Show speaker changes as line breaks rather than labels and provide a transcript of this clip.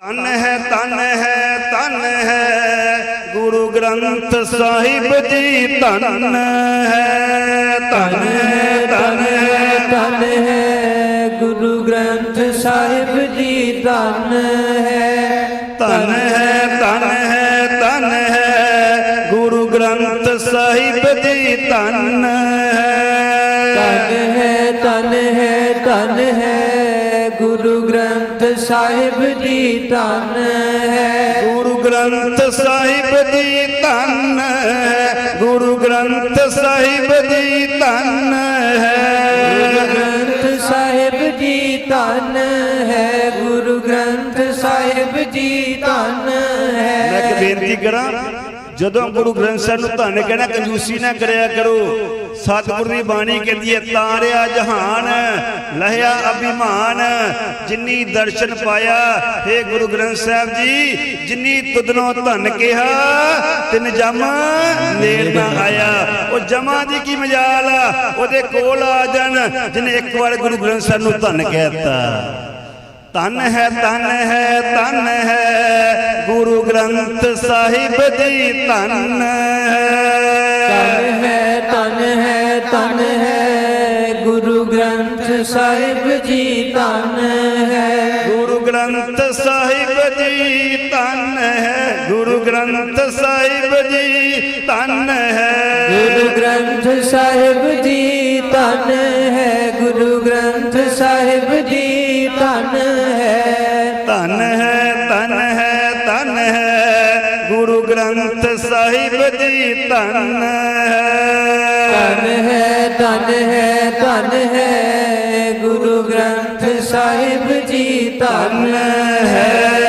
तन है गुरु ग्रंथ साहिब जी तन है तन
है गुरु ग्रंथ साहिब जी तन है
गुरु ग्रंथ साहिब जी तन
है गुरु ग्रंथ साहिब जी तन है
गुरु ग्रंथ साहिब जी तन है गुरु ग्रंथ साहिब जी तन है
ग्रंथ साहिब जी तन है गुरु ग्रंथ साहिब जी तन है।
मैं एक बेनती करा जदों गुरु ग्रंथ साहिब नूं धन कहना कंजूसी ना करया करो। सतगुरु की बाणी कहती है तारिया जहान लहया अभिमान जिन्नी दर्शन पाया हे गुरु ग्रंथ साहिब जी जिन्नी तुदनों धन कहा तिन जम नेड़ ना आया। वो जमा दी की मजाल ओदे कोल आ जान जिन्हें एक बार गुरु ग्रंथ साहिब नूं धन कहता। तन है गुरु ग्रंथ साहिब जी तन
है गुरु ग्रंथ साहिब जी तन है
गुरु ग्रंथ साहिब जी तन है गुरु ग्रंथ साहिब जी तन है
गुरु ग्रंथ साहिब जी तन है गुरु ग्रंथ साहिब जी तन
है गुरु ग्रंथ साहिब जी तन
है गुरु ग्रंथ साहिब जी तन है।